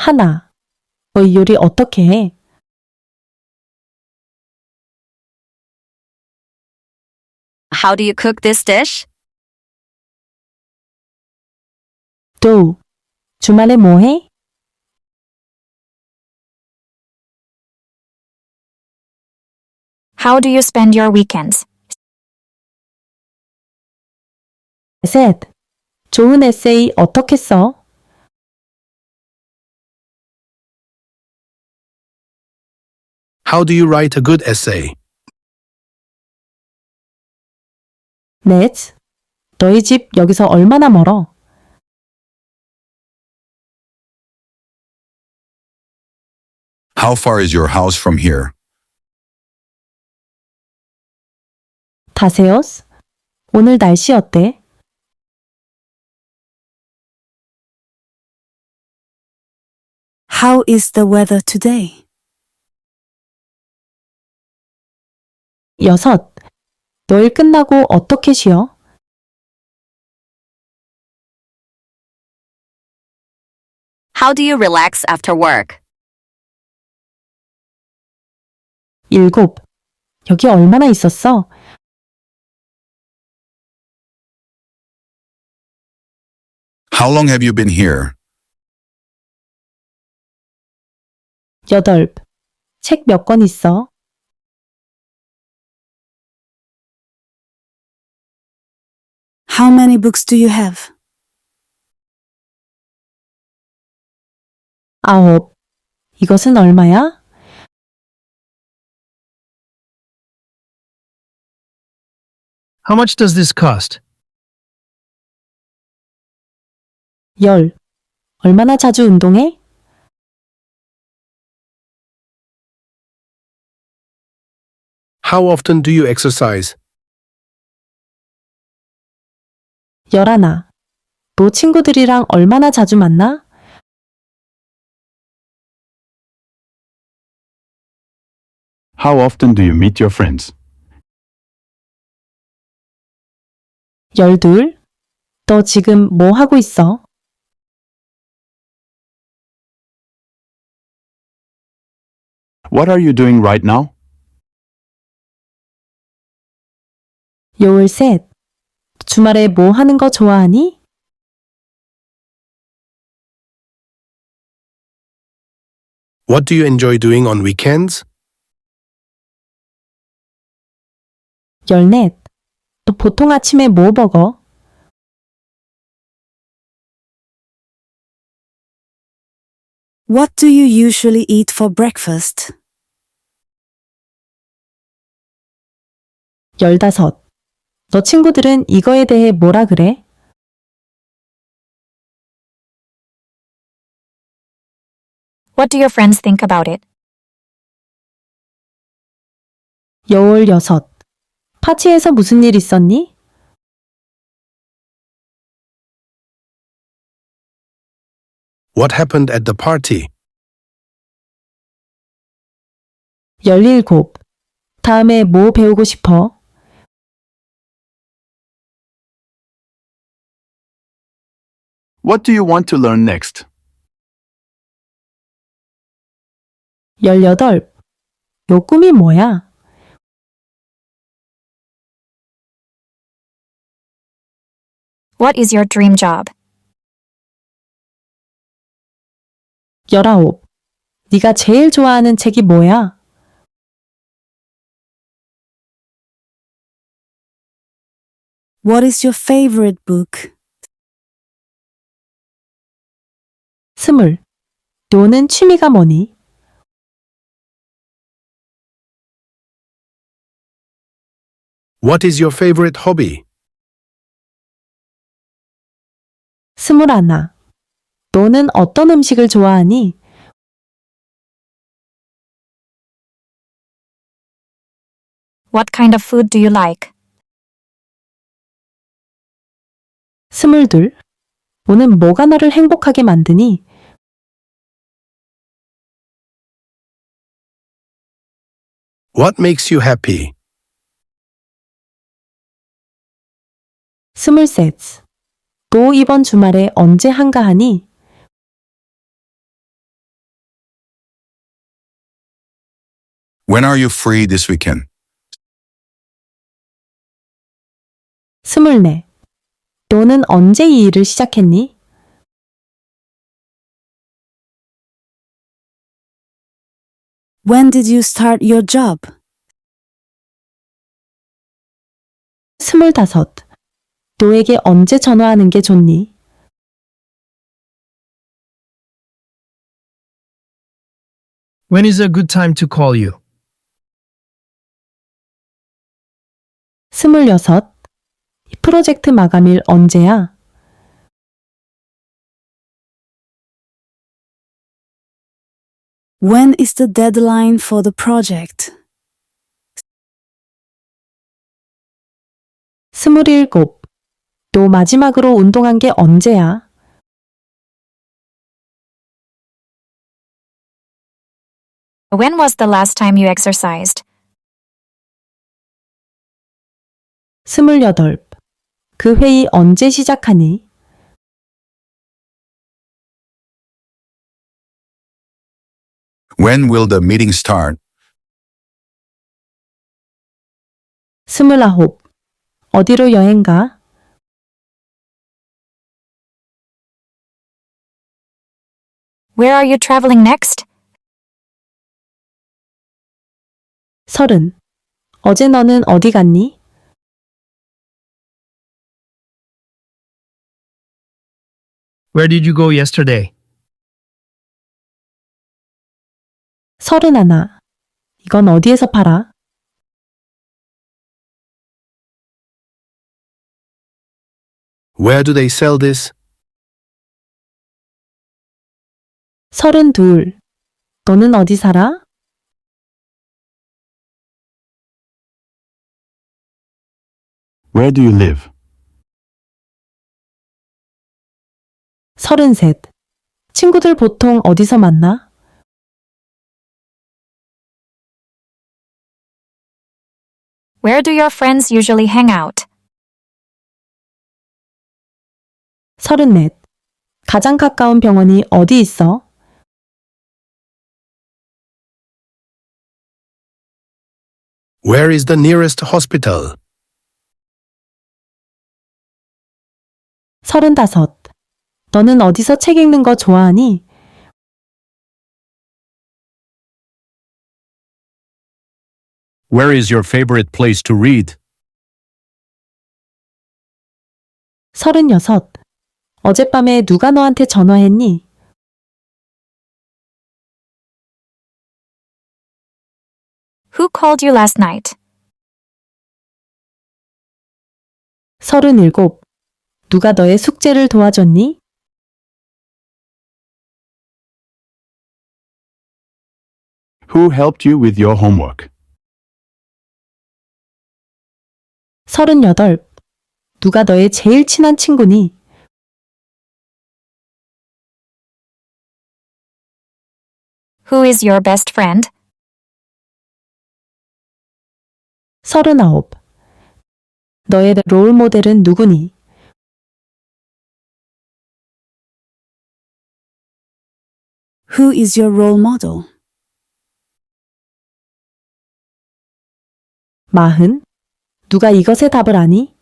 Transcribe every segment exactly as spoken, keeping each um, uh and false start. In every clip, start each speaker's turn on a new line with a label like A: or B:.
A: 하나. 너 이 요리 어떻게 해?
B: How do you cook this dish?
A: 두. 주말에 뭐 해?
C: How do you spend your weekends?
A: 셋. 좋은 에세이 어떻게 써?
D: How do you write a good essay?
A: 넷. 너희 집 여기서 얼마나 멀어?
E: How far is your house from here?
A: 다세요스. 오늘 날씨 어때?
F: How is the weather today?
A: 여섯. 너 일 끝나고 어떻게 쉬어?
B: How do you relax after work?
A: 일곱. 여기 얼마나 있었어?
E: How long have you been here?
A: 여덟. 책 몇 권 있어?
F: How many books do you have?
A: 아홉. 이것은 얼마야?
D: How much does this cost?
A: 열. 얼마나 자주 운동해?
D: How often do you exercise?
A: 열하나. 너 친구들이랑 얼마나 자주 만나?
G: How often do you meet your friends?
A: 열둘. 너 지금 뭐 하고 있어?
G: What are you doing right now?
A: 열셋. 주말에 뭐 하는 거 좋아하니?
D: What do you enjoy doing on weekends?
A: 열넷. 너 보통 아침에 뭐 먹어?
F: What do you usually eat for breakfast?
A: 열다섯. 너 친구들은 이거에 대해 뭐라 그래?
C: What do your friends think about it?
A: 열여섯. 파티에서 무슨 일 있었니?
D: What happened at the party?
A: 열일곱. 다음에 뭐 배우고 싶어?
G: What do you want to learn next?
A: 열여덟. 요 꿈이 뭐야?
C: What is your dream job?
A: 열아홉. 네가 제일 좋아하는 책이 뭐야?
F: What is your favorite book?
A: 스물. 너는 취미가 뭐니?
D: What is your favorite hobby?
A: 스물하나. 너는 어떤 음식을 좋아하니?
C: What kind of food do you like?
A: 스물둘. 너는 뭐가 너를 행복하게 만드니?
D: What makes you happy?
A: 스물셋. 너 이번 주말에 언제 한가하니?
E: When are you free this weekend?
A: 스물네. 너는 언제 이 일을 시작했니?
F: When did you start your job?
A: 스물다섯. 너에게 언제 전화하는 게 좋니?
H: When is a good time to call you?
A: 스물여섯. 이 프로젝트 마감일 언제야?
F: When is the deadline for the project?
A: 스물일곱. 너 마지막으로 운동한 게 언제야?
C: When was the last time you exercised?
A: 스물여덟. 그 회의 언제 시작하니?
E: When will the meeting start?
A: 스물아홉. 어디로 여행 가?
C: Where are you traveling next?
A: 서른. 어제 너는 어디 갔니?
H: Where did you go yesterday?
A: 서른하나. 이건 어디에서 팔아?
D: Where do they sell this?
A: 서른둘. 너는 어디 살아?
G: Where do you live?
A: 서른셋. 친구들 보통 어디서 만나?
C: Where do your friends usually hang out?
A: 서른넷. 가장 가까운 병원이 어디 있어?
D: Where is the nearest hospital?
A: 서른다섯. 너는 어디서 책 읽는 거 좋아하니?
I: Where is your favorite place to read?
A: 서른여섯. 어젯밤에 누가 너한테 전화했니?
C: Who called you last night?
A: 서른일곱. 누가 너의 숙제를 도와줬니?
G: Who helped you with your homework?
A: 서른여덟. 누가 너의 제일 친한 친구니?
C: Who is your best friend?
A: 서른아홉. 너의 롤 모델은 누구니?
F: Who is your role model?
A: 마흔. 누가 이것의 답을 아니?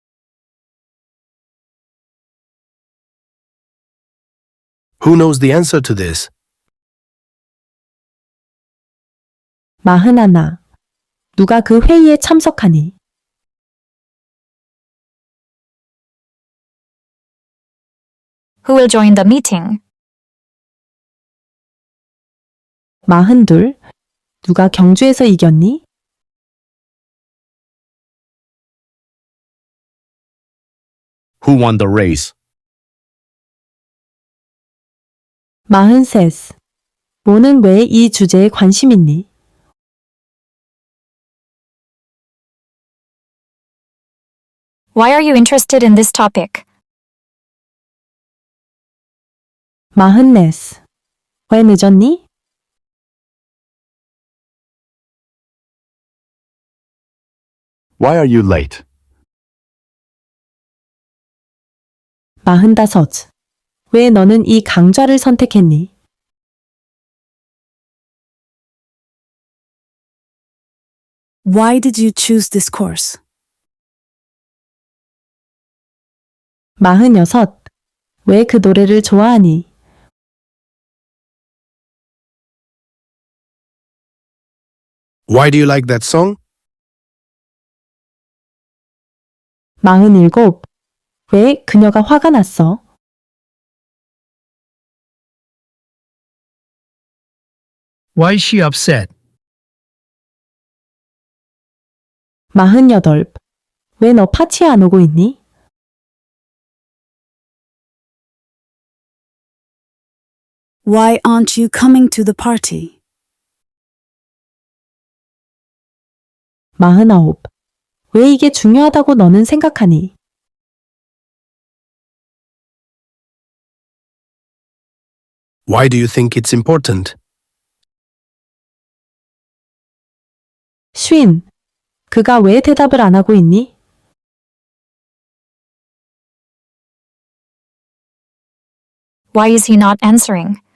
D: Who knows the answer to this?
A: 마흔하나. 누가 그 회의에 참석하니?
C: Who will join the meeting?
A: 마흔둘. 누가 경주에서 이겼니?
I: Who won the race?
A: 마흔셋. 모는 왜 이 주제에 관심 있니?
C: Why are you interested in this topic?
A: 마흔넷. 왜 늦었니?
G: Why are you late?
A: 마흔다섯. 왜 너는 이 강좌를 선택했니?
F: Why did you choose this course?
A: 마흔여섯. 왜 그 노래를 좋아하니?
D: Why do you like that song?
A: 마흔일곱. 왜 그녀가 화가 났어?
H: Why is she upset?
A: 마흔여덟. 왜 너 파티에 안 오고 있니?
F: Why aren't you coming to the party?
A: 마흔아홉. 왜 이게 중요하다고 너는 생각하니?
D: Why do you think it's important?
A: 쉰. 그가 왜 대답을 안 하고 있니?
C: Why is he not answering?